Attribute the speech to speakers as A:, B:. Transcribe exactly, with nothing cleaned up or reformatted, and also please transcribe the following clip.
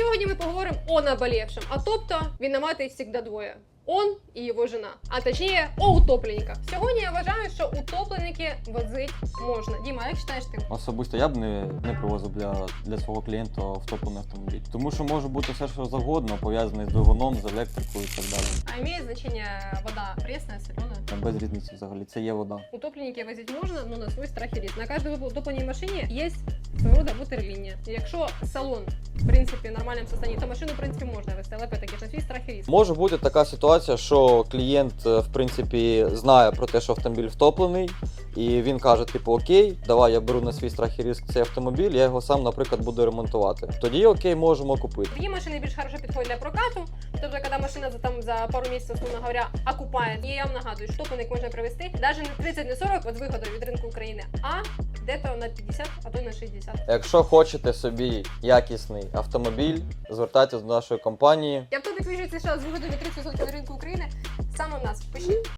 A: сьогодні ми поговоримо о наболівшем, а тобто винуватий завжди двоє. Он і його жена, а точніше о утопленниках. Сьогодні я вважаю, що утопленники возить можна. Діма, як вважаєш ти?
B: Особисто я б не, не привозив для, для свого клієнта втоплений автомобіль. Тому що може бути все, що завгодно, пов'язане з двигуном, з електрикою і так далі.
A: А має значення вода пресна, солена?
B: Без різниці взагалі, це є вода.
A: Утопленники возити можна, але на свій страх і ризик. На кожній утопленій машині є свого роду ватерлінія. Якщо салон, в принципі, в нормальному стані, то машину, в принципі, можна вести, але опять-таки на свій страх і ризик.
B: Може бути така ситуація, що клієнт, в принципі, знає про те, що автомобіль втоплений, і він каже, типу, окей, давай я беру на свій страх і ризик цей автомобіль, я його сам, наприклад, буду ремонтувати. Тоді, окей, можемо купити.
A: Такі машини більш хорошо підходять для прокату, тобто, коли машина за, там, за пару місяців, условно говоря, окупає. І я вам нагадую, що топленик можна привезти навіть не тридцять, не сорок, от з виходу від ринку України, а десь на п'ятдесят, а то й на шістдесят.
B: Якщо хочете собі якісний автомобіль, звертайтесь до нашої компанії.
A: Я б тут вижу, що з виходу від тридцять відсотків на ринку України саме в нас. Пишіть.